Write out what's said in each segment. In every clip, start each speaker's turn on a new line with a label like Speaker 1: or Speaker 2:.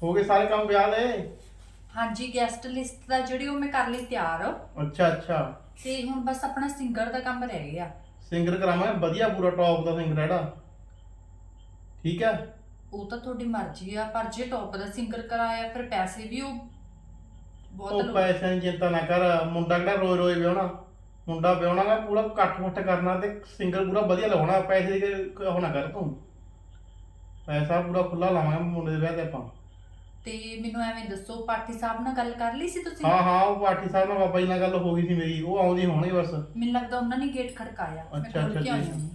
Speaker 1: ਹੋ ਗਏ ਸਾਰੇ ਕੰਮ ਵਿਆਹ ਦੇ?
Speaker 2: ਹਾਂਜੀ ਗੈਸਟ ਲਿਸਟ ਦਾ ਜਿਹੜੀ ਉਹ ਮੈਂ ਕਰ ਲਈ ਤਿਆਰ।
Speaker 1: ਅੱਛਾ ਅੱਛਾ।
Speaker 2: ਤੇ ਹੁਣ ਬਸ ਆਪਣਾ ਸਿੰਗਰ ਦਾ ਕੰਮ ਰਹਿ ਗਿਆ।
Speaker 1: ਸਿੰਗਰ ਕਰਾਵਾਂਗੇ ਵਧੀਆ ਪੂਰਾ ਟੌਪ ਦਾ ਸਿੰਗਰ ਜਿਹੜਾ, ਠੀਕ ਹੈ।
Speaker 2: ਉਹ ਤਾਂ ਤੁਹਾਡੀ ਮਰਜ਼ੀ ਆ, ਪਰ ਜੇ ਟੌਪ ਦਾ ਸਿੰਗਰ ਕਰਾਇਆ ਫਿਰ ਪੈਸੇ ਵੀ ਉਹ ਬਹੁਤ
Speaker 1: ਉਹ ਪੈਸਿਆਂ ਦੀ ਚਿੰਤਾ ਨਾ ਕਰ, ਮੁੰਡਾ ਕਿਹੜਾ ਰੋਜ਼ ਰੋਜ਼ ਵਿਆਹਣਾ, ਮੁੰਡਾ ਵਿਆਹਣਾਗਾ ਪੂਰਾ ਇਕੱਠ ਮੁੱਠ ਕਰਨਾ ਤੇ ਸਿੰਗਰ ਪੂਰਾ ਵਧੀਆ ਲਵਾਉਣਾ। ਪੈਸੇ ਦੀ ਉਹ ਨਾ ਕਰ ਤੂੰ, ਪੈਸਾ ਪੂਰਾ ਖੁੱਲਾ ਲਾਵਾਂਗੇ ਮੁੰਡੇ ਦੇ ਵਿਆਹ ਤੇ ਆਪਾਂ।
Speaker 2: ਤੇ ਮੈਨੂੰ ਐਵੇਂ ਦੱਸੋ, ਪਾਠੀ ਸਾਹਿਬ ਨਾਲ ਗੱਲ ਕਰ ਲਈ ਸੀ ਤੁਸੀਂ?
Speaker 1: ਹਾਂ ਹਾਂ, ਉਹ ਪਾਠੀ ਸਾਹਿਬ ਨਾਲ ਬਾਬਾ ਜੀ ਨਾਲ ਗੱਲ ਹੋ ਗਈ ਸੀ ਮੇਰੀ, ਉਹ ਆਉਂਦੀ ਹੋਣਗੇ ਬਸ।
Speaker 2: ਮੈਨੂੰ ਲੱਗਦਾ ਉਹਨਾਂ ਨੇ ਗੇਟ ਖੜਕਾਇਆ। ਮੈਂ
Speaker 1: ਅੱਛਾ,
Speaker 2: ਖੋਲ
Speaker 1: ਅੱਛਾ
Speaker 2: ਕੇ ਆਈ
Speaker 1: ਜੀ।
Speaker 2: ਹਾਂ।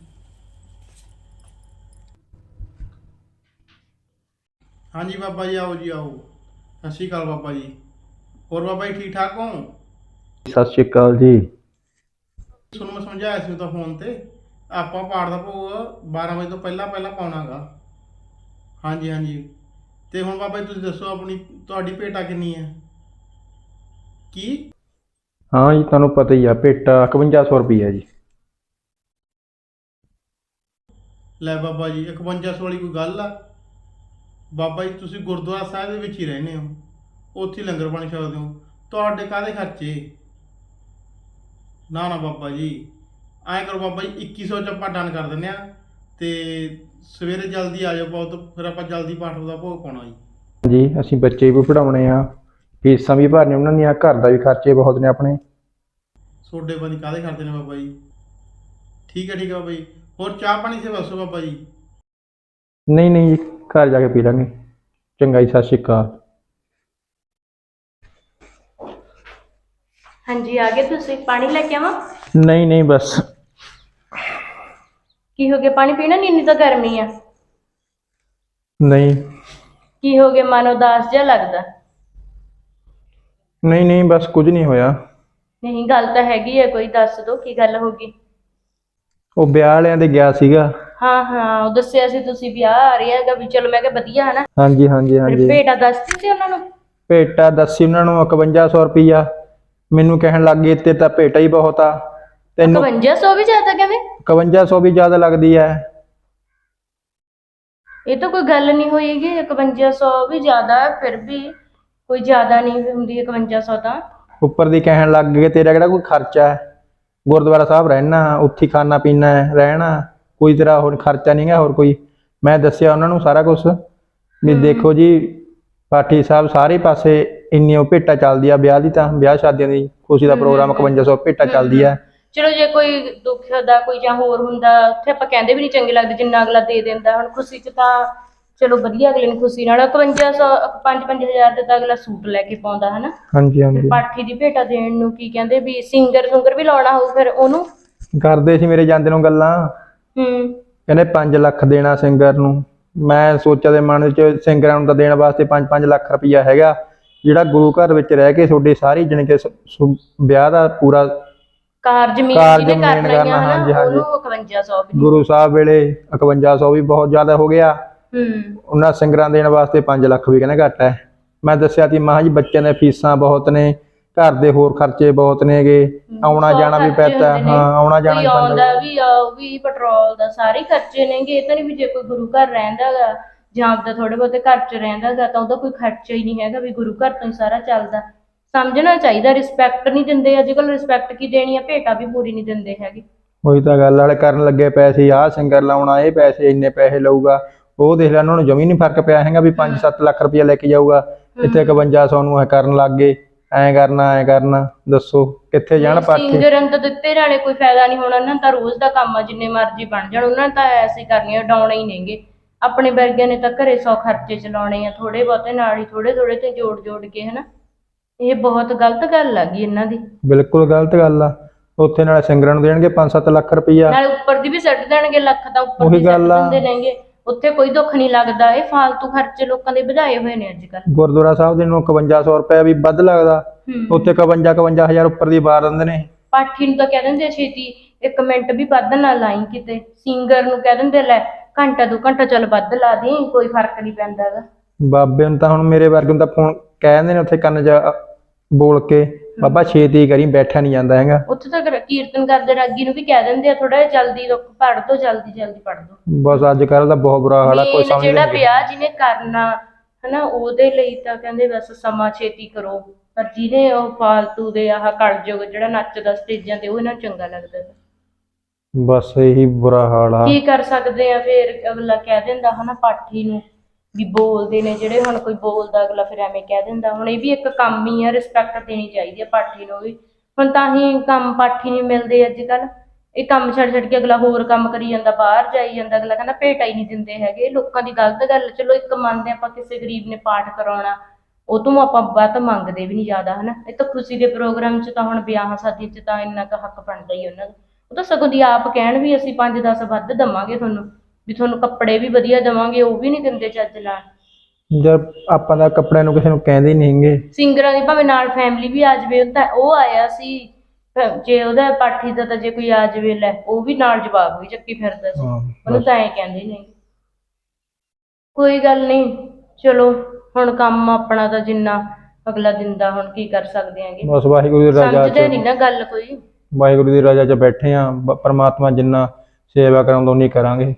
Speaker 1: ਹਾਂਜੀ ਬਾਬਾ ਜੀ, ਆਓ ਜੀ ਆਓ। ਸਤਿ ਸ਼੍ਰੀ ਅਕਾਲ ਬਾਬਾ ਜੀ। ਹੋਰ ਬਾਬਾ ਜੀ ਠੀਕ ਠਾਕ ਹੋ?
Speaker 3: ਸਤਿ ਸ਼੍ਰੀ ਅਕਾਲ ਜੀ।
Speaker 1: ਤੁਹਾਨੂੰ ਮੈਂ ਸਮਝਾਇਆ ਸੀ ਤਾਂ ਫੋਨ ਤੇ, ਆਪਾਂ ਪਾਠ ਦਾ ਭੋਗ 12 ਵਜੇ ਤੋਂ ਪਹਿਲਾਂ ਪਹਿਲਾਂ ਪਾਉਣਾਗਾ। ਹਾਂਜੀ ਹਾਂਜੀ। ਤੇ ਹੁਣ ਬਾਬਾ ਜੀ ਤੁਸੀਂ ਦੱਸੋ, ਆਪਣੀ ਤੁਹਾਡੀ ਭੇਟਾ ਕਿੰਨੀ ਹੈ? ਕੀ?
Speaker 3: ਹਾਂ ਜੀ, ਤੁਹਾਨੂੰ ਪਤਾ ਹੀ ਆ, ਭੇਟਾ 5100 ਰੁਪਈਆ ਜੀ।
Speaker 1: ਲੈ ਬਾਬਾ ਜੀ, 5100 ਵਾਲੀ ਕੋਈ ਗੱਲ ਆ? ਬਾਬਾ ਜੀ ਤੁਸੀਂ ਗੁਰਦੁਆਰਾ ਸਾਹਿਬ ਦੇ ਵਿੱਚ ਹੀ ਰਹਿੰਦੇ ਹੋ, ਉੱਥੇ ਹੀ ਲੰਗਰ ਪਾਣੀ ਛਕਦੇ ਹੋ, ਤੁਹਾਡੇ ਕਾਹਦੇ ਖਰਚੇ? ਨਾ ਨਾ ਬਾਬਾ ਜੀ, ਐਂ ਕਰੋ ਬਾਬਾ ਜੀ, 2100 ਚ ਆਪਾਂ ਡਨ ਕਰ ਦਿੰਦੇ ਆ। ਤੇ ਸਵੇਰੇ ਜਲਦੀ ਆ ਜਾਓ ਬਹੁਤ, ਫਿਰ ਆਪਾਂ ਜਲਦੀ ਪਾਠ ਦਾ ਭੋਗ ਪਾਉਣਾ ਜੀ।
Speaker 3: ਜੀ ਅਸੀਂ ਬੱਚੇ ਵੀ ਪੜ੍ਹਾਉਣੇ ਆ, ਫੀਸਾਂ ਵੀ ਭਰਨੀਆਂ ਉਹਨਾਂ ਦੀਆਂ, ਘਰ ਦਾ ਵੀ ਖਰਚੇ ਬਹੁਤ ਨੇ ਆਪਣੇ।
Speaker 1: ਤੁਹਾਡੇ ਬੰਦੇ ਕਾਹਦੇ ਖਰਚੇ ਨੇ ਬਾਬਾ ਜੀ? ਠੀਕ ਹੈ ਬਾਬਾ ਜੀ। ਹੋਰ ਚਾਹ ਪਾਣੀ ਸੇ ਦੱਸੋ ਬਾਬਾ ਜੀ।
Speaker 3: ਨਹੀਂ ਨਹੀਂ ਜੀ, ਘਰ ਜਾ ਕੇ ਪੀ ਲਾਂਗੇ। ਚੰਗਾ ਜੀ, ਸਤਿ ਸ਼੍ਰੀ ਅਕਾਲ।
Speaker 4: ਹਾਂਜੀ ਆ ਗਏ ਤੁਸੀਂ? ਪਾਣੀ ਲੈ ਕੇ ਆਵਾਂ?
Speaker 3: ਨਹੀਂ ਨਹੀਂ ਬਸ।
Speaker 4: ਕੀ ਹੋ ਗਿਆ, ਪਾਣੀ ਪੀਣਾ ਨਹੀਂ? ਇੰਨੀ ਤਾਂ ਗਰਮੀ ਆ।
Speaker 3: ਨਹੀਂ
Speaker 4: ਕੀ ਹੋ ਗਿਆ, ਮਨ ਉਦਾਸ ਜਿਹਾ ਲੱਗਦਾ?
Speaker 3: ਨਹੀਂ ਨਹੀਂ ਬਸ ਕੁਝ ਨਹੀਂ ਹੋਇਆ।
Speaker 4: ਨਹੀਂ ਗੱਲ ਤਾਂ ਹੈਗੀ ਹੈ, ਕੋਈ ਦੱਸ ਦੋ ਕੀ ਗੱਲ ਹੋ ਗਈ।
Speaker 3: ਉਹ ਵਿਆਹ ਵਾਲਿਆਂ ਦੇ ਗਿਆ ਸੀਗਾ।
Speaker 4: ਹਾਂ ਹਾਂ, ਉਹ ਦੱਸਿਆ ਸੀ ਤੁਸੀਂ ਵਿਆਹ ਆ ਰਿਹਾ ਹੈਗਾ ਵੀ, ਚਲੋ ਮੈਂ ਕਿਹਾ ਵਧੀਆ ਹੈ ਨਾ।
Speaker 3: ਹਾਂਜੀ ਹਾਂਜੀ
Speaker 4: ਫਿਰ
Speaker 3: ਹਾਂਜੀ।
Speaker 4: ਭੇਟਾ ਦੱਸਦੀ ਸੀ ਉਹਨਾਂ ਨੂੰ?
Speaker 3: ਭੇਟਾ ਦੱਸੀ ਉਹਨਾਂ ਨੂੰ 5100 ਰੁਪਈਆ। ਮੈਨੂੰ ਕਹਿਣ ਲੱਗ ਗਏ ਤੇ ਤਾਂ ਭੇਟਾ ਹੀ ਬਹੁਤ ਆ ਤੈਨੂੰ।
Speaker 4: 5100 ਵੀ ਜ਼ਿਆਦਾ ਕਹਿੰਦੇ?
Speaker 3: 5100 ਵੀ ਜ਼ਿਆਦਾ ਲੱਗਦੀ ਹੈ।
Speaker 4: ਇਹ ਤਾਂ ਕੋਈ ਗੱਲ ਨਹੀਂ ਹੋਏਗੀ, 5100 ਵੀ ਜ਼ਿਆਦਾ ਹੈ, ਫਿਰ ਵੀ ਕੋਈ ਜ਼ਿਆਦਾ ਨਹੀਂ ਹੁੰਦੀ 5100 ਤਾਂ।
Speaker 3: ਉੱਪਰ ਦੀ ਕਹਿਣ ਲੱਗ ਗਏ ਤੇਰਾ ਕਿਹੜਾ ਕੋਈ ਖਰਚਾ ਹੈ, ਗੁਰਦੁਆਰਾ ਸਾਹਿਬ ਰਹਿਣਾ, ਉੱਥੇ ਖਾਣਾ ਪੀਣਾ ਰਹਿਣਾ, ਕੋਈ ਤੇਰਾ ਹੋਰ ਖਰਚਾ ਨਹੀਂ ਗਾ ਹੋਰ ਕੋਈ। ਮੈਂ ਦੱਸਿਆ ਉਹਨਾਂ ਨੂੰ ਸਾਰਾ ਕੁਝ ਵੀ ਦੇਖੋ ਜੀ ਪਾਠੀ ਸਾਹਿਬ ਸਾਰੇ ਪਾਸੇ ਇੰਨੀ ਉਹ ਭੇਟਾ ਚੱਲਦੀ ਆ ਵਿਆਹ ਦੀ, ਤਾਂ ਵਿਆਹ ਸ਼ਾਦੀਆਂ ਦੀ ਖੁਸ਼ੀ ਦਾ ਪ੍ਰੋਗਰਾਮ 5100 ਭੇਟਾ ਚੱਲਦੀ ਆ।
Speaker 4: ਚਲੋ ਜੇ ਕੋਈ ਦੁੱਖ ਦਾ ਕੋਈ ਜਾਂ ਹੋਰ ਹੁੰਦਾ, ਉੱਥੇ ਆਪਾਂ ਕਹਿੰਦੇ ਵੀ ਨਹੀਂ ਚੰਗੇ ਲੱਗਦੇ, ਜਿੰਨਾ ਅਗਲਾ ਦੇ ਦਿੰਦਾ। ਹੁਣ ਖੁਸ਼ੀ 'ਚ ਤਾਂ ਚਲੋ ਵਧੀਆ, ਅਗਲੇ ਨੂੰ ਖੁਸ਼ੀ ਨਾਲ 5100 5-5000 ਦੇ ਤਾਂ ਅਗਲਾ ਸੂਟ ਲੈ ਕੇ ਪਾਉਂਦਾ ਹੈ ਨਾ।
Speaker 3: ਹਾਂਜੀ ਹਾਂਜੀ।
Speaker 4: ਪਾਠੀ ਦੀ ਭੇਟਾ ਦੇਣ ਨੂੰ ਕੀ ਕਹਿੰਦੇ ਵੀ ਸਿੰਗਰ ਵੀ ਲਾਉਣਾ ਹੋਊ ਫਿਰ ਉਹਨੂੰ? ਕਰਦੇ
Speaker 3: ਸੀ ਮੇਰੇ ਜਾਂਦੇ ਨੂੰ ਗੱਲਾਂ। ਕਹਿੰਦੇ 5 ਲੱਖ ਦੇਣਾ ਸਿੰਗਰ ਨੂੰ। ਮੈਂ ਸੋਚਿਆ ਦੇ ਮਨ 'ਚ ਸਿੰਗਰਾਂ ਨੂੰ ਤਾਂ ਦੇਣ ਵਾਸਤੇ 5-5 ਲੱਖ ਰੁਪਈਆ ਹੈਗਾ, ਜਿਹੜਾ ਗੁਰੂ ਘਰ ਵਿੱਚ ਰਹਿ ਕੇ ਤੁਹਾਡੇ ਸਾਰੀ ਜਾਣੀ ਕਿ ਵਿਆਹ ਦਾ ਪੂਰਾ
Speaker 4: ਕਾਰਜ ਮੇਨ ਕਰਨਾ। ਹਾਂਜੀ ਹਾਂਜੀ। 5100 ਵੀ
Speaker 3: ਗੁਰੂ ਸਾਹਿਬ ਵੇਲੇ 5100 ਵੀ ਬਹੁਤ ਜ਼ਿਆਦਾ ਹੋ ਗਿਆ। ਉਹਨਾਂ ਸਿੰਗਰਾਂ ਦੇਣ ਵਾਸਤੇ 5 ਲੱਖ ਵੀ ਕਹਿੰਦੇ ਘੱਟ ਹੈ। ਮੈਂ ਦੱਸਿਆ ਸੀ ਮਾਂ ਜੀ ਬੱਚਿਆਂ ਦੀਆਂ ਫੀਸਾਂ ਬਹੁਤ ਨੇ, ਘਰ ਦੇ ਹੋਰ ਖਰਚੇ ਬਹੁਤ ਨੇਗੇ, ਆਉਣਾ ਜਾਣਾ ਵੀ ਪੈਂਦਾ। ਹਾਂ ਆਉਣਾ ਜਾਣਾ
Speaker 4: ਵੀ ਪੈਟਰੋਲ ਦਾ ਸਾਰੇ ਖਰਚੇ ਨੇਗੇ। ਇਹ ਤਾਂ ਨਹੀਂ ਵੀ ਜੇ ਕੋਈ ਗੁਰੂ ਘਰ ਰਹਿੰਦਾ ਗਾ ਜਾਂ ਆਪਦਾ ਥੋੜੇ ਬਹੁਤੇ ਘਰ 'ਚ ਰਹਿੰਦਾ ਗਾ ਤਾਂ ਉਹਦਾ ਕੋਈ ਖਰਚਾ ਹੀ ਨਹੀਂ ਹੈਗਾ, ਵੀ ਗੁਰੂ ਘਰ ਤੋਂ ਹੀ ਸਾਰਾ ਚੱਲਦਾ। ਸਮਝਣਾ ਚਾਹੀਦਾ, ਰਿਸਪੈਕਟ ਨਹੀਂ ਦਿੰਦੇ ਅੱਜ ਕੱਲ੍ਹ। ਰਿਸਪੈਕਟ ਕੀ ਦੇਣੀ ਆ, ਭੇਟਾ ਵੀ ਪੂਰੀ ਨਹੀਂ ਦਿੰਦੇ ਹੈਗੇ।
Speaker 3: ਉਹੀ ਤਾਂ ਗੱਲ ਵਾਲੇ ਕਰਨ ਲੱਗੇ ਪੈਸੇ, ਆਹ ਸਿੰਗਰ ਲਾਉਣਾ, ਇਹ ਪੈਸੇ ਇੰਨੇ ਪੈਸੇ ਲਊਗਾ, ਉਹ ਦੇਖ ਲੈ ਉਹਨਾਂ ਨੂੰ ਜਮੀ ਨਹੀਂ ਫਰਕ ਪਿਆ ਹੈਗਾ ਵੀ 5-7 ਲੱਖ ਰੁਪਇਆ ਲੈ ਕੇ ਜਾਊਗਾ, ਇੱਥੇ 5100 ਨੂੰ ਕਰਨ ਲੱਗ ਗਏ। ਐਂ ਕਰਨਾ ਦੱਸੋ ਕਿੱਥੇ ਜਾਣ ਪਾਠੀ?
Speaker 4: ਸਿੰਗਰਾਂ ਤਾਂ ਦਿੱਤੇ ਨਾਲੇ ਕੋਈ ਫਾਇਦਾ ਨਹੀਂ ਹੋਣਾ, ਉਹਨਾਂ ਤਾਂ ਰੋਜ਼ ਦਾ ਕੰਮ ਆ, ਜਿੰਨੇ ਮਰਜ਼ੀ ਬਣ ਜਾਣ ਉਹਨਾਂ ਨੇ ਤਾਂ ਐਸੇ ਕਰਨੀਆਂ, ਉਡਾਉਣੇ ਹੀ ਨੇਗੇ। ਆਪਣੇ ਵਰਗਿਆਂ ਨੇ ਤਾਂ ਘਰੇ 100 ਖਰਚੇ ਚਲਾਉਣੇ ਆ, ਥੋੜੇ ਬਹੁਤੇ ਨਾਲ ਹੀ ਥੋੜੇ ਤੇ ਜੋੜ ਕੇ ਹਨਾ। ਇਹ ਬਹੁਤ ਗਲਤ ਗੱਲ ਆ ਗਈ ਇਹਨਾਂ ਦੀ। ਬਿਲਕੁਲ ਗਲਤ ਗੱਲ ਆ। ਉੱਥੇ ਨਾਲੇ ਸਿੰਗਰਾਂ ਨੂੰ ਦੇਣਗੇ 5-7 ਲੱਖ ਰੁਪਈਆ, ਨਾਲੇ ਉੱਪਰ ਦੀ ਵੀ ਸੱਟ ਦੇਣਗੇ ਲੱਖ, ਤਾਂ ਉੱਪਰ ਦੀ ਸੱਟ ਦਿੰਦੇ ਨੇਗੇ। ਉੱਥੇ ਕੋਈ ਦੁੱਖ ਨਹੀਂ ਲੱਗਦਾ। ਇਹ ਫਾਲਤੂ ਖਰਚੇ ਲੋਕਾਂ ਦੇ ਵਧਾਏ ਹੋਏ ਨੇ ਅੱਜ ਕੱਲ੍ਹ। ਗੁਰਦੁਆਰਾ ਸਾਹਿਬ ਦੇ ਨੂੰ 5100 ਰੁਪਇਆ ਵੀ ਵੱਧ ਲੱਗਦਾ, ਉੱਥੇ 52-51000 ਉੱਪਰ ਦੀ ਬਾਰ ਦਿੰਦੇ ਨੇ। ਪਾਠੀ ਨੂੰ ਤਾਂ ਕਹਿ ਦਿੰਦੇ ਛੇਤੀ 1 ਮਿੰਟ ਵੀ ਵੱਧ ਨਾ ਲਾਈ ਕਿਤੇ, ਸਿੰਗਰ ਨੂੰ ਕਹਿ ਦਿੰਦੇ ਲੈ ਘੰਟਾ 2 ਘੰਟਾ ਚੱਲ ਵੱਧ ਲਾ ਦੀ, ਕੋਈ ਫਰਕ ਨਹੀਂ ਪੈਂਦਾ ਗਾ। ਬਾਬੇ ਨੂੰ ਤਾਂ ਹੁਣ ਮੇਰੇ ਵਰਗੇ ਨੂੰ ਤਾਂ ਫੋਨ ਕਹਿ ਦਿੰਦੇ ਨੇ ਉੱਥੇ ਕੰਨ 'ਚ ਬੋਲ ਕੇ, ਬਾਬਾ ਛੇਤੀ ਕਰੀ, ਬੈਠਾ ਨਹੀਂ ਜਾਂਦਾ ਹੈਗਾ। ਉੱਥੇ ਤਾਂ ਕੀਰਤਨ ਕਰਦੇ ਰਾਗੀ ਨੂੰ ਵੀ ਕਹਿ ਦਿੰਦੇ ਆ ਥੋੜਾ ਜਿਹਾ ਜਲਦੀ ਪੜ੍ਹ ਦੋ, ਜਲਦੀ ਪੜ੍ਹ ਦੋ। ਬਸ ਅੱਜ ਕੱਲ੍ਹ ਦਾ ਬਹੁਤ ਬੁਰਾ ਹਾਲ ਆ, ਕੋਈ ਸਮਝ ਨਹੀਂ। ਜਿਹੜਾ ਵਿਆਹ ਜਿਹਨੇ ਕਰਨਾ ਹਨਾ, ਉਹਦੇ ਲਈ ਤਾਂ ਕਹਿੰਦੇ ਬਸ ਸਮਾਂ ਛੇਤੀ ਕਰੋ। ਪਰ ਜਿਹਨੇ ਉਹ ਫਾਲਤੂ ਦੇ ਆਹ ਕਲਯੁਗ ਜਿਹੜਾ ਨੱਚਦਾ ਸਟੇਜਾਂ ਤੇ, ਉਹ ਇਹਨਾਂ ਨੂੰ ਚੰਗਾ ਲੱਗਦਾ ਗਾ।
Speaker 3: ਬਸ ਇਹੀ ਬੁਰਾ ਹਾਲ ਆ।
Speaker 4: ਕੀ ਕਰ ਸਕਦੇ ਆ ਫਿਰ, ਅਗਲਾ ਕਹਿ ਦਿੰਦਾ ਹਨਾ ਪਾਠੀ ਨੂੰ ਵੀ ਬੋਲਦੇ ਨੇ ਜਿਹੜੇ, ਹੁਣ ਕੋਈ ਬੋਲਦਾ ਅਗਲਾ ਫਿਰ ਐਵੇਂ ਕਹਿ ਦਿੰਦਾ। ਹੁਣ ਇਹ ਵੀ ਇੱਕ ਕੰਮ ਹੀ ਆ, ਰਿਸਪੈਕਟ ਦੇਣੀ ਚਾਹੀਦੀ ਆ ਪਾਠੀ ਨੂੰ ਵੀ। ਹੁਣ ਤਾਂ ਹੀ ਕੰਮ ਪਾਠੀ ਨਹੀਂ ਮਿਲਦੇ ਅੱਜ ਕੱਲ੍ਹ। ਇਹ ਕੰਮ ਛੱਡ ਛੱਡ ਕੇ ਅਗਲਾ ਹੋਰ ਕੰਮ ਕਰੀ ਜਾਂਦਾ, ਬਾਹਰ ਜਾਈ ਜਾਂਦਾ। ਅਗਲਾ ਕਹਿੰਦਾ ਭੇਟਾ ਹੀ ਨਹੀਂ ਦਿੰਦੇ ਹੈਗੇ। ਲੋਕਾਂ ਦੀ ਗਲਤ ਗੱਲ। ਚਲੋ ਇੱਕ ਮੰਨਦੇ ਆਪਾਂ ਕਿਸੇ ਗਰੀਬ ਨੇ ਪਾਠ ਕਰਾਉਣਾ, ਉਹ ਤੋਂ ਆਪਾਂ ਵੱਧ ਮੰਗਦੇ ਵੀ ਨਹੀਂ ਜ਼ਿਆਦਾ ਹਨਾ। ਇਹ ਤਾਂ ਖੁਸ਼ੀ ਦੇ ਪ੍ਰੋਗਰਾਮ 'ਚ ਤਾਂ ਹੁਣ ਵਿਆਹਾਂ ਸ਼ਾਦੀਆਂ 'ਚ ਤਾਂ ਇੰਨਾ ਕੁ ਹੱਕ ਬਣਦਾ ਹੀ ਉਹਨਾਂ ਦਾ। ਉਹ ਤਾਂ ਸਗੋਂ ਦੀ ਆਪ ਕਹਿਣ ਵੀ ਅਸੀਂ 5-10 ਵੱਧ ਦੇਵਾਂਗੇ ਤੁਹਾਨੂੰ, ਵੀ ਤੁਹਾਨੂੰ ਕੱਪੜੇ ਵੀ ਵਧੀਆ ਦੇਵਾਂਗੇ, ਉਹ ਵੀ ਨਹੀਂ ਦਿੰਦੇ ਚੱਜ ਨਾਲ।
Speaker 3: ਜਦ ਆਪਾਂ ਤਾਂ ਕੱਪੜਿਆਂ ਨੂੰ ਕਿਸੇ ਨੂੰ ਕਹਿੰਦੇ ਨਹੀਂ ਹੈਗੇ।
Speaker 4: ਸਿੰਗਰਾਂ ਦੀ ਭਾਵੇਂ ਨਾਲ ਫੈਮਿਲੀ ਵੀ ਆ ਜਾਵੇ, ਤਾਂ ਉਹ ਆਇਆ ਸੀ ਜੇ ਉਹਦਾ ਪਾਠੀ ਦਾ, ਤਾਂ ਜੇ ਕੋਈ ਆ ਜਾਵੇ ਲੈ ਉਹ ਵੀ ਨਾਲ ਜਵਾਬ ਵੀ ਚੱਕੀ ਫਿਰਦਾ ਸੀ। ਉਹਨੂੰ ਤਾਂ ਐਂ ਕਹਿੰਦੇ ਨੇ। ਕੋਈ ਗੱਲ ਨਹੀਂ, ਚਲੋ ਹੁਣ ਕੰਮ ਆਪਣਾ ਤਾਂ ਜਿੰਨਾ ਅਗਲਾ ਦਿੰਦਾ, ਹੁਣ ਕੀ ਕਰ ਸਕਦੇ ਆਂਗੇ।
Speaker 3: ਬਸ ਵਾਹਿਗੁਰੂ ਦੀ ਰਜ਼ਾ
Speaker 4: ਸਮਝਦੇ
Speaker 3: ਚ,
Speaker 4: ਨਹੀਂ ਨਾ ਗੱਲ ਕੋਈ।
Speaker 3: ਵਾਹਿਗੁਰੂ ਦੀ ਰਜ਼ਾ ਚ ਬੈਠੇ ਆ। ਪਰਮਾਤਮਾ ਜਿੰਨਾ ਸੇਵਾ ਕਰਾਉਂਦਾ ਉਨੀ ਕਰਾਂਗੇ।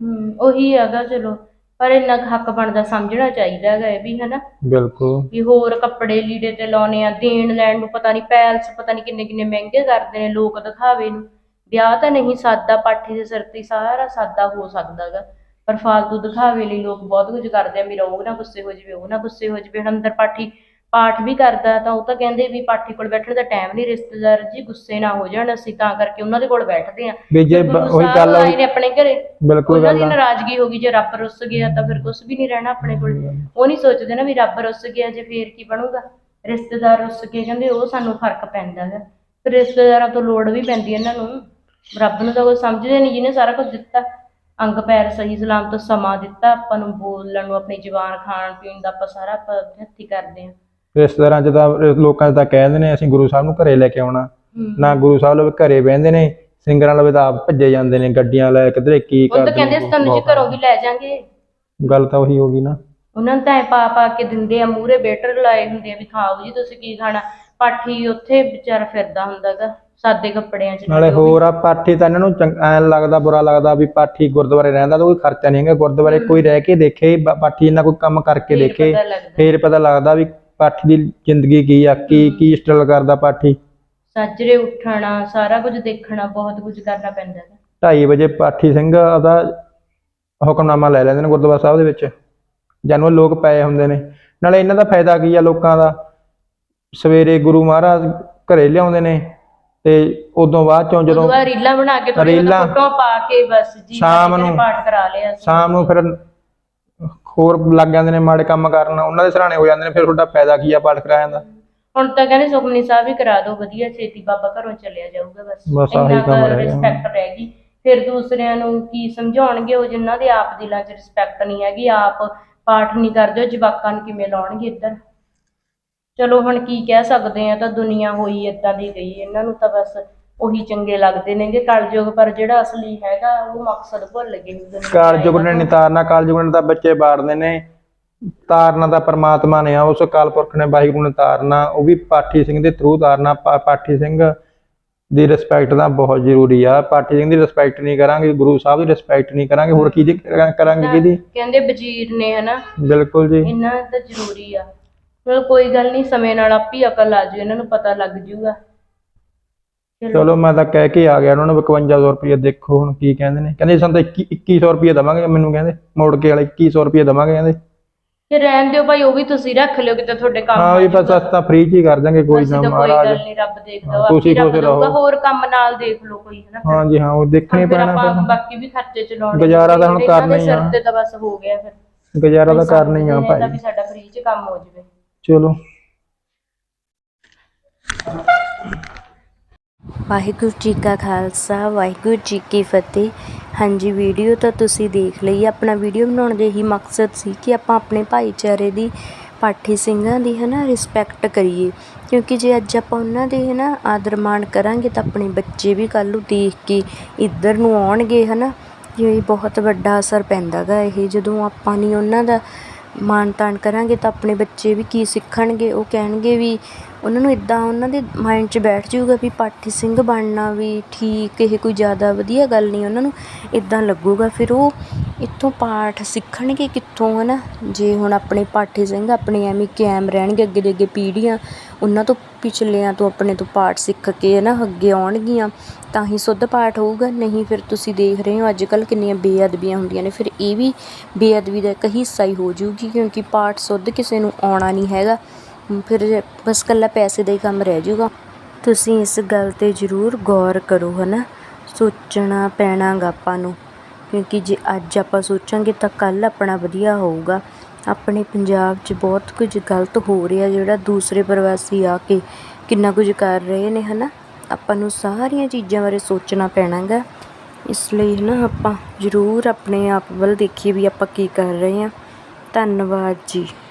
Speaker 4: ਉਹੀ ਹੈਗਾ। ਚਲੋ ਪਰ ਇੰਨਾ ਕੁ ਹੱਕ ਬਣਦਾ, ਸਮਝਣਾ ਚਾਹੀਦਾ ਹੈਗਾ ਇਹ ਵੀ ਹਨਾ।
Speaker 3: ਬਿਲਕੁਲ।
Speaker 4: ਵੀ ਹੋਰ ਕੱਪੜੇ ਲੀੜੇ ਤੇ ਲਾਉਣੇ ਆ, ਦੇਣ ਲੈਣ ਨੂੰ ਪਤਾ ਨਹੀਂ ਪੈਲਸ ਪਤਾ ਨਹੀਂ ਕਿੰਨੇ ਕਿੰਨੇ ਮਹਿੰਗੇ ਕਰਦੇ ਨੇ ਲੋਕ ਦਿਖਾਵੇ ਨੂੰ। ਵਿਆਹ ਤਾਂ ਨਹੀਂ ਸਾਦਾ, ਪਾਠੀ ਦੇ ਸਿਰ ਤੇ ਸਾਰਾ ਸਾਦਾ ਹੋ ਸਕਦਾ ਗਾ, ਪਰ ਫਾਲਤੂ ਦਿਖਾਵੇ ਲਈ ਲੋਕ ਬਹੁਤ ਕੁਝ ਕਰਦੇ ਆ। ਮੇਰਾ ਉਹ ਨਾ ਗੁੱਸੇ ਹੋ ਜਾਵੇ, ਉਹ ਨਾ ਗੁੱਸੇ ਹੋ ਜਾਵੇ। ਹੁਣ ਅੰਦਰ ਪਾਠੀ ਪਾਠ ਵੀ ਕਰਦਾ, ਤਾਂ ਉਹ ਤਾਂ ਕਹਿੰਦੇ ਵੀ ਪਾਠੀ ਕੋਲ ਬੈਠਣ ਦਾ ਟਾਈਮ ਨਹੀਂ, ਰਿਸ਼ਤੇਦਾਰ ਜੀ ਗੁੱਸੇ ਨਾ ਹੋ ਜਾਣ, ਅਸੀਂ ਤਾਂ ਕਰਕੇ ਉਹਨਾਂ ਦੇ ਕੋਲ ਬੈਠਦੇ ਆ।
Speaker 3: ਵੀ ਜੇ ਉਹੀ ਗੱਲ
Speaker 4: ਆਏ ਨੇ ਆਪਣੇ ਘਰੇ,
Speaker 3: ਬਿਲਕੁਲ
Speaker 4: ਉਹਨਾਂ ਦੀ
Speaker 3: ਗੱਲ ਆ।
Speaker 4: ਨਾਰਾਜ਼ਗੀ ਹੋ ਗਈ। ਜੇ ਰੱਬ ਰੁੱਸ ਗਿਆ ਤਾਂ ਫਿਰ ਕੁਝ ਵੀ ਨਹੀਂ ਰਹਿਣਾ ਆਪਣੇ ਕੋਲ। ਉਹ ਨਹੀਂ ਸੋਚਦੇ ਨਾ ਵੀ ਰੱਬ ਰੁੱਸ ਗਿਆ ਜੇ ਫੇਰ ਕੀ ਬਣੂਗਾ। ਰਿਸ਼ਤੇਦਾਰ ਰੁੱਸ ਕੇ ਕਹਿੰਦੇ ਉਹ ਸਾਨੂੰ ਫਰਕ ਪੈਂਦਾ ਹੈ। ਫਿਰ ਰਿਸ਼ਤੇਦਾਰਾਂ ਤੋਂ ਲੋੜ ਵੀ ਪੈਂਦੀ ਇਹਨਾਂ ਨੂੰ। ਰੱਬ ਨੂੰ ਤਾਂ ਕੋਈ ਸਮਝਦੇ ਨਹੀਂ, ਜਿਹਨੇ ਸਾਰਾ ਕੁਝ ਦਿੱਤਾ, ਅੰਗ ਪੈਰ ਸਹੀ ਸਲਾਮਤ ਸਮਾਂ ਦਿੱਤਾ ਆਪਾਂ ਨੂੰ, ਬੋਲਣ ਨੂੰ, ਆਪਣੀ ਜ਼ੁਬਾਨ, ਖਾਣ ਪੀਣ ਦਾ ਆਪਾਂ ਸਾਰਾ ਆਪਾਂ ਹੱਥੀਂ ਕਰਦੇ ਹਾਂ।
Speaker 3: ਰਿਸ਼ਤੇਦਾਰਾਂ ਚ ਤਾਂ ਲੋਕਾਂ ਚ ਤਾਂ ਕਹਿੰਦੇ ਨੇ ਅਸੀਂ ਗੁਰੂ ਸਾਹਿਬ ਨੂੰ ਘਰੇ ਲੈ ਕੇ ਆਉਣਾ, ਨਾ ਗੁਰੂ ਸਾਹਿਬ ਲਵੇ ਘਰੇ ਬਹਿੰਦੇ ਨੇ। ਸਿੰਗਰਾਂ ਲਵੇ ਤਾਂ ਆਪ ਭੱਜੇ ਜਾਂਦੇ ਨੇ ਗੱਡੀਆਂ ਲੈ, ਕਿਧਰੇ ਕੀ
Speaker 4: ਉਹ ਤਾਂ ਕਹਿੰਦੇ ਅਸੀਂ ਤੁਹਾਨੂੰ ਜੀ ਘਰੋਂ ਵੀ ਲੈ ਜਾਾਂਗੇ।
Speaker 3: ਗੱਲ ਤਾਂ ਉਹੀ ਹੋ ਗਈ ਨਾ।
Speaker 4: ਉਹਨਾਂ ਨੂੰ ਤਾਂ ਪਾ ਪਾ ਕੇ ਦਿੰਦੇ ਆ, ਮੂਹਰੇ ਵੇਟਰ ਲਾਏ ਹੁੰਦੇ ਆ ਵੀ ਖਾਓ ਜੀ ਤੁਸੀਂ ਕੀ ਖਾਣਾ। ਪਾਠੀ ਉੱਥੇ ਵਿਚਾਰਾ ਫਿਰਦਾ ਹੁੰਦਾ ਗਾ ਸਾਦੇ ਕੱਪੜਿਆਂ 'ਚ।
Speaker 3: ਨਾਲੇ ਹੋਰ ਆ ਪਾਠੀ ਤਾਂ ਇਹਨਾਂ ਨੂੰ ਐਂ ਲੱਗਦਾ, ਬੁਰਾ ਲੱਗਦਾ ਵੀ ਪਾਠੀ ਗੁਰਦੁਆਰੇ ਰਹਿੰਦਾ ਤਾਂ ਕੋਈ ਖਰਚਾ ਨਹੀਂ ਹੈਗਾ। ਗੁਰਦੁਆਰੇ ਕੋਈ ਰਹਿ ਕੇ ਦੇਖੇ, ਪਾਠੀ ਇਹਨਾਂ ਕੋਈ ਕੰਮ ਕਰਕੇ ਦੇਖੇ, ਫੇਰ ਪਤਾ ਲੱਗਦਾ ਵੀ ਪਾਠੀ ਦੀ ਜ਼ਿੰਦਗੀ ਕੀ ਆ, ਕੀ ਸਟਰਗਲ ਕਰਦਾ ਪਾਠੀ।
Speaker 4: ਸਾਜਰੇ ਉੱਠਣਾ, ਸਾਰਾ ਕੁਝ ਦੇਖਣਾ, ਬਹੁਤ ਕੁਝ ਕਰਨਾ ਪੈਂਦਾ ਹੈ।
Speaker 3: 2:30 ਵਜੇ ਪਾਠੀ ਸਿੰਘ ਦਾ ਹੁਕਮਨਾਮਾ ਲੈ ਲੈਂਦੇ ਨੇ ਗੁਰਦੁਆਰਾ ਸਾਹਿਬ ਦੇ ਵਿੱਚ, ਜਾਨੂੰ ਲੋਕ ਪਏ ਹੁੰਦੇ ਨੇ। ਨਾਲੇ ਇਹਨਾਂ ਦਾ ਫਾਇਦਾ ਕੀ ਆ ਲੋਕਾਂ ਦਾ, ਸਵੇਰੇ ਗੁਰੂ ਮਹਾਰਾਜ ਘਰੇ ਲਿਆਉਂਦੇ ਨੇ ਤੇ ਉਦੋਂ ਬਾਅਦ ਚੋਂ ਜਦੋਂ
Speaker 4: ਰੀਲਾਂ ਬਣਾ ਕੇ ਫੋਟੋ ਪਾ ਕੇ ਬਸ ਜੀ
Speaker 3: ਸ਼ਾਮ ਨੂੰ
Speaker 4: ਪਾਠ ਕਰਾ ਲਿਆ,
Speaker 3: ਸ਼ਾਮ ਨੂੰ ਫਿਰ ਹੋਰ ਲੱਗ ਜਾਂਦੇ ਨੇ ਮਾੜੇ ਕੰਮ ਕਰਨ, ਉਹਨਾਂ ਦੇ ਸਰਾਣੇ ਹੋ ਜਾਂਦੇ ਨੇ। ਫਿਰ ਤੁਹਾਡਾ ਫਾਇਦਾ ਕੀ ਆ ਪਾਠ ਕਰਾਇਆ ਦਾ।
Speaker 4: ਹੁਣ ਤਾਂ ਕਹਿੰਦੇ ਸੁਖਮਨੀ ਸਾਹਿਬ ਵੀ ਕਰਾ ਦਿਓ ਵਧੀਆ, ਛੇਤੀ ਬਾਬਾ ਘਰੋਂ ਚੱਲਿਆ ਜਾਊਗਾ।
Speaker 3: ਬਸ ਆਹੀ ਕੰਮ ਰਹਿ ਗਿਆ।
Speaker 4: ਰਿਸਪੈਕਟ ਰਹਿ ਗਈ। ਫਿਰ ਦੂਸਰਿਆਂ ਨੂੰ ਕੀ ਸਮਝਾਉਣਗੇ ਉਹ, ਜਿਨ੍ਹਾਂ ਦੇ ਆਪ ਦਿਲਾਂ 'ਚ ਰਿਸਪੈਕਟ ਨਹੀਂ ਹੈਗੀ, ਆਪ ਪਾਠ ਨਹੀਂ ਕਰਦੇ, ਜਵਾਕਾਂ ਨੂੰ ਕਿਵੇਂ ਲਾਉਣਗੇ ਇੱਧਰ। ਚਲੋ ਹੁਣ ਕੀ ਕਹਿ ਸਕਦੇ ਆ, ਤਾਂ ਦੁਨੀਆ ਹੋਈ ਏਦਾਂ ਦੀ ਗਈ। ਇਹਨਾਂ ਨੂੰ ਤਾਂ ਬਸ ਉਹੀ ਚੰਗੇ ਲੱਗਦੇ ਨੇਗੇ ਕਲਯੁਗ, ਪਰ ਜਿਹੜਾ ਅਸਲੀ ਹੈਗਾ ਉਹ ਮਕਸਦ ਭੁੱਲ ਗਏ।
Speaker 3: ਕਲਯੁਗ ਨੇ ਨਹੀਂ ਤਾਰਨਾ, ਕਲਯੁਗ ਨੇ ਤਾਂ ਬੱਚੇ ਬਾੜਦੇ ਨੇ, ਤਾਰਨਾ ਤਾਂ ਪਰਮਾਤਮਾ ਨੇ ਆ, ਉਸ ਅਕਾਲ ਪੁਰਖ ਨੇ ਵਾਹਿਗੁਰੂ ਨੇ ਤਾਰਨਾ, ਉਹ ਵੀ ਪਾਠੀ ਸਿੰਘ ਦੇ ਥਰੂ ਤਾਰਨਾ। ਪਾਠੀ ਸਿੰਘ ਦੀ ਰਿਸਪੈਕਟ ਤਾਂ ਬਹੁਤ ਜ਼ਰੂਰੀ ਆ। ਪਾਠੀ ਸਿੰਘ ਦੀ ਰਿਸਪੈਕਟ ਨਹੀਂ ਕਰਾਂਗੇ, ਗੁਰੂ ਸਾਹਿਬ ਦੀ ਰਿਸਪੈਕਟ ਨਹੀਂ ਕਰਾਂਗੇ, ਹੋਰ ਕੀ ਕਰਾਂਗੇ ਕਿਹਦੀ।
Speaker 4: ਕਹਿੰਦੇ ਵਜ਼ੀਰ ਨੇ ਹਨਾ।
Speaker 3: ਬਿਲਕੁਲ ਜੀ,
Speaker 4: ਇਹਨਾਂ ਤਾਂ ਜ਼ਰੂਰੀ ਆ। ਚਲੋ ਕੋਈ ਗੱਲ ਨਹੀਂ, ਸਮੇਂ ਨਾਲ ਆਪੀ ਅਕਲ ਆ ਜੂ, ਇਹਨਾਂ ਨੂੰ ਪਤਾ ਲੱਗ ਜੂਗਾ।
Speaker 3: ਚਲੋ ਮੈਂ ਤਾਂ ਕਹਿ ਕੇ ਆ ਗਿਆ ਉਹਨਾਂ ਨੂੰ 5500 ਰੁਪਏ। ਦੇਖੋ ਹੁਣ ਕੀ ਕਹਿੰਦੇ ਨੇ। ਕਹਿੰਦੇ ਸਾਨੂੰ ਤਾਂ 2100 ਰੁਪਏ ਦੇਵਾਂਗੇ, ਮੈਨੂੰ ਕਹਿੰਦੇ ਮੋੜ ਕੇ ਵਾਲੇ 2100 ਰੁਪਏ ਦੇਵਾਂਗੇ ਕਹਿੰਦੇ।
Speaker 4: ਤੇ ਰਹਿਣ ਦਿਓ ਭਾਈ, ਉਹ ਵੀ ਤੁਸੀਂ ਰੱਖ ਲਿਓ ਕਿਤੇ ਤੁਹਾਡੇ ਕੰਮ।
Speaker 3: ਹਾਂ ਵੀ ਬਸ ਅਸੀਂ ਤਾਂ ਫ੍ਰੀ ਚ ਹੀ ਕਰ ਦਾਂਗੇ, ਕੋਈ ਨਾ ਮਹਾਰਾਜ।
Speaker 4: ਕੋਈ ਗੱਲ ਨਹੀਂ, ਰੱਬ ਦੇਖਦਾ,
Speaker 3: ਤੁਸੀਂ ਖੁਸ਼ ਰਹੋ।
Speaker 4: ਹੋਰ ਕੰਮ ਨਾਲ ਦੇਖ ਲਓ ਕੋਈ ਹਨਾ।
Speaker 3: ਹਾਂ ਜੀ ਹਾਂ, ਉਹ ਦੇਖਣੇ ਪੈਣਾ।
Speaker 4: ਬਾਕੀ ਵੀ ਖਰਚੇ ਚਲਾਉਣੇ,
Speaker 3: ਗੁਜ਼ਾਰਾ ਤਾਂ ਹੁਣ ਕਰਨਾ ਹੀ ਆ।
Speaker 4: ਸਿਰ ਤੇ ਤਾਂ ਬਸ ਹੋ ਗਿਆ, ਫਿਰ
Speaker 3: ਗੁਜ਼ਾਰਾ ਤਾਂ ਕਰਨਾ ਹੀ ਆ ਭਾਈ।
Speaker 4: ਤਾਂ ਵੀ ਸਾਡਾ ਫ੍ਰੀ ਚ ਕੰਮ ਹੋ ਜਾਵੇ।
Speaker 3: ਚਲੋ
Speaker 5: ਵਾਹਿਗੁਰੂ ਜੀ ਕਾ ਖਾਲਸਾ, ਵਾਹਿਗੁਰੂ ਜੀ ਕੀ ਫਤਿਹ। ਹਾਂਜੀ, ਵੀਡੀਓ ਤਾਂ ਤੁਸੀਂ ਦੇਖ ਲਈ। ਆਪਣਾ ਵੀਡੀਓ ਬਣਾਉਣ ਦੇ ਹੀ ਮਕਸਦ ਸੀ ਕਿ ਆਪਾਂ ਆਪਣੇ ਭਾਈਚਾਰੇ ਦੀ, ਪਾਠੀ ਸਿੰਘਾਂ ਦੀ ਹੈ ਨਾ ਰਿਸਪੈਕਟ ਕਰੀਏ, ਕਿਉਂਕਿ ਜੇ ਅੱਜ ਆਪਾਂ ਉਹਨਾਂ ਦੇ ਹੈ ਨਾ ਆਦਰ ਮਾਣ ਕਰਾਂਗੇ ਤਾਂ ਆਪਣੇ ਬੱਚੇ ਵੀ ਕੱਲ੍ਹ ਨੂੰ ਦੇਖ ਕੇ ਇੱਧਰ ਨੂੰ ਆਉਣਗੇ ਹੈ ਨਾ। ਇਹ ਬਹੁਤ ਵੱਡਾ ਅਸਰ ਪੈਂਦਾ ਗਾ ਇਹ, ਜਦੋਂ ਆਪਾਂ ਨਹੀਂ ਉਹਨਾਂ ਦਾ ਮਾਣ ਤਾਣ ਕਰਾਂਗੇ ਤਾਂ ਆਪਣੇ ਬੱਚੇ ਵੀ ਕੀ ਸਿੱਖਣਗੇ। ਉਹ ਕਹਿਣਗੇ ਵੀ ਉਹਨਾਂ ਨੂੰ ਇਦਾਂ ਉਹਨਾਂ ਦੇ ਮਾਈਂਡ 'ਚ ਬੈਠ ਜਾਊਗਾ ਵੀ ਪਾਠੀ ਸਿੰਘ ਬਣਨਾ ਵੀ ਠੀਕ, ਇਹ ਕੋਈ ਜ਼ਿਆਦਾ ਵਧੀਆ ਗੱਲ ਨਹੀਂ। ਉਹਨਾਂ ਨੂੰ ਇਦਾਂ ਲੱਗੂਗਾ, ਫਿਰ ਉਹ ਇੱਥੋਂ ਪਾਠ ਸਿੱਖਣਗੇ ਕਿੱਥੋਂ, ਹੈ ਨਾ। ਜੇ ਹੁਣ ਆਪਣੇ ਪਾਠੀ ਸਿੰਘ ਆਪਣੇ ਐਵੇਂ ਕਾਇਮ ਰਹਿਣਗੇ, ਅੱਗੇ ਦੇ ਅੱਗੇ ਪੀੜ੍ਹੀਆਂ ਉਹਨਾਂ ਤੋਂ ਪਿਛਲਿਆਂ ਤੋਂ ਆਪਣੇ ਤੋਂ ਪਾਠ ਸਿੱਖ ਕੇ, ਹੈ ਨਾ, ਅੱਗੇ ਆਉਣਗੀਆਂ ਤਾਂ ਹੀ ਸ਼ੁੱਧ ਪਾਠ ਹੋਊਗਾ। ਨਹੀਂ ਫਿਰ ਤੁਸੀਂ ਦੇਖ ਰਹੇ ਹੋ ਅੱਜ ਕੱਲ੍ਹ ਕਿੰਨੀਆਂ ਬੇਅਦਬੀਆਂ ਹੁੰਦੀਆਂ ਨੇ, ਫਿਰ ਇਹ ਵੀ ਬੇਅਦਬੀ ਦਾ ਇੱਕ ਹਿੱਸਾ ਹੀ ਹੋ ਜਾਊਗੀ, ਕਿਉਂਕਿ ਪਾਠ ਸ਼ੁੱਧ ਕਿਸੇ ਨੂੰ ਆਉਣਾ ਨਹੀਂ ਹੈਗਾ। ਫਿਰ ਬਸ ਇਕੱਲਾ ਪੈਸੇ ਦਾ ਹੀ ਕੰਮ ਰਹਿ ਜਾਊਗਾ। ਤੁਸੀਂ ਇਸ ਗੱਲ 'ਤੇ ਜ਼ਰੂਰ ਗੌਰ ਕਰੋ, ਹੈ ਨਾ। ਸੋਚਣਾ ਪੈਣਾ ਗਾ ਆਪਾਂ ਨੂੰ, ਕਿਉਂਕਿ ਜੇ ਅੱਜ ਆਪਾਂ ਸੋਚਾਂਗੇ ਤਾਂ ਕੱਲ੍ਹ ਆਪਣਾ ਵਧੀਆ ਹੋਊਗਾ। ਆਪਣੇ ਪੰਜਾਬ 'ਚ ਬਹੁਤ ਕੁਝ ਗਲਤ ਹੋ ਰਿਹਾ, ਜਿਹੜਾ ਦੂਸਰੇ ਪ੍ਰਵਾਸੀ ਆ ਕੇ ਕਿੰਨਾ ਕੁਝ ਕਰ ਰਹੇ ਨੇ, ਹੈ ਨਾ। ਆਪਾਂ ਨੂੰ ਸਾਰੀਆਂ ਚੀਜ਼ਾਂ ਬਾਰੇ ਸੋਚਣਾ ਪੈਣਾ ਗਾ। ਇਸ ਲਈ, ਹੈ ਨਾ, ਆਪਾਂ ਜ਼ਰੂਰ ਆਪਣੇ ਆਪ ਵੱਲ ਦੇਖੀਏ ਵੀ ਆਪਾਂ ਕੀ ਕਰ ਰਹੇ ਹਾਂ। ਧੰਨਵਾਦ ਜੀ।